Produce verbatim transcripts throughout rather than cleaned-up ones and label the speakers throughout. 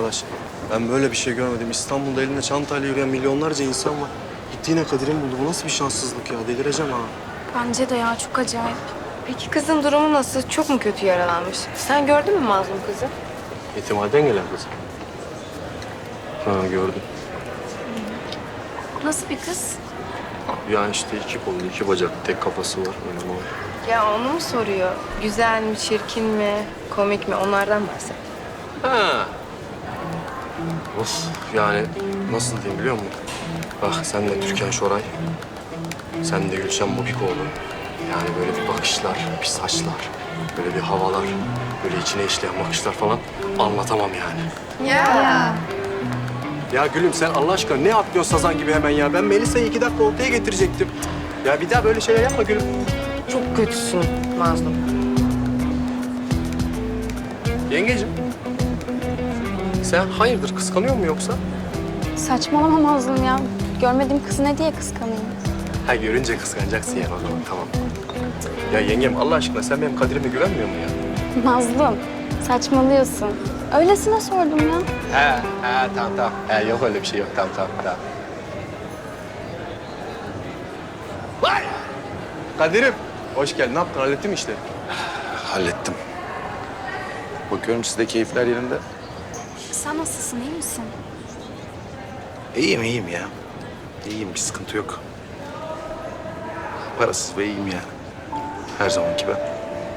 Speaker 1: arkadaş. Ben böyle bir şey görmedim. İstanbul'da elinde çantayla yürüyen milyonlarca insan var. Gitti yine Kadir'in buldu. Bu nasıl bir şanssızlık ya? Delireceğim ha.
Speaker 2: Bence de ya çok acayip.
Speaker 3: Peki kızın durumu nasıl? Çok mu kötü yaralanmış? Sen gördün mü mazlum kızı?
Speaker 1: Yetimhaneden gelen kız. Ha gördüm.
Speaker 2: Nasıl bir kız?
Speaker 1: Yani işte iki kollu, iki bacak, tek kafası var. Öyle var.
Speaker 3: Ya onu mu soruyor? Güzel mi, çirkin mi, komik mi? Onlardan bahset.
Speaker 1: Ha. Of yani nasıl diyeyim biliyor musun? Bak sen de Türkan Şoray. Sen de Gülşen Bubikoğlu. Yani böyle bir bakışlar, bir saçlar, böyle bir havalar, böyle içine işleyen bakışlar falan anlatamam yani.
Speaker 3: Ya.
Speaker 1: Ya gülüm sen Allah aşkına ne atlıyorsun sazan gibi hemen ya? Ben Melisa'yı iki dakika ortaya getirecektim. Ya bir daha böyle şeyler yapma gülüm.
Speaker 3: Çok kötüsün mazlum.
Speaker 1: Yengeciğim. Sen hayırdır kıskanıyor mu yoksa?
Speaker 2: Saçmalama Mazlum ya. Görmediğim kızı ne diye kıskanayım?
Speaker 1: Ha görünce kıskanacaksın yani o zaman tamam. Ya yengem Allah aşkına sen benim Kadir'ime güvenmiyor musun ya?
Speaker 2: Mazlum, saçmalıyorsun. Öylesine sordum ya.
Speaker 1: He, he tamam tamam. He yok öyle bir şey yok tamam tamam tamam. Vay! Kadir'im hoş geldin. Ne yaptın? Hallettin mi işleri?
Speaker 4: Hallettim. Bakıyorum sizde keyifler yerinde.
Speaker 2: Sen nasılsın, iyi misin?
Speaker 4: İyiyim, iyiyim ya. İyiyim, bir sıkıntı yok. Parasız ve iyiyim yani. Her zamanki ben.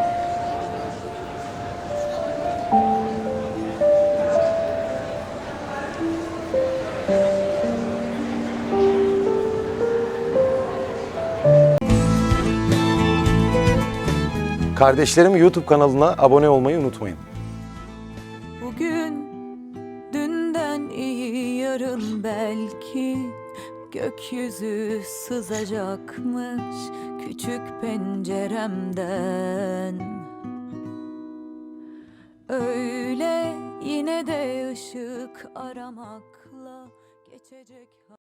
Speaker 4: Kardeşlerim YouTube kanalına abone olmayı unutmayın.
Speaker 5: Bugün dünden iyi yarın belki gökyüzü sızacakmış küçük penceremden. Öyle yine de ışık aramakla geçecek.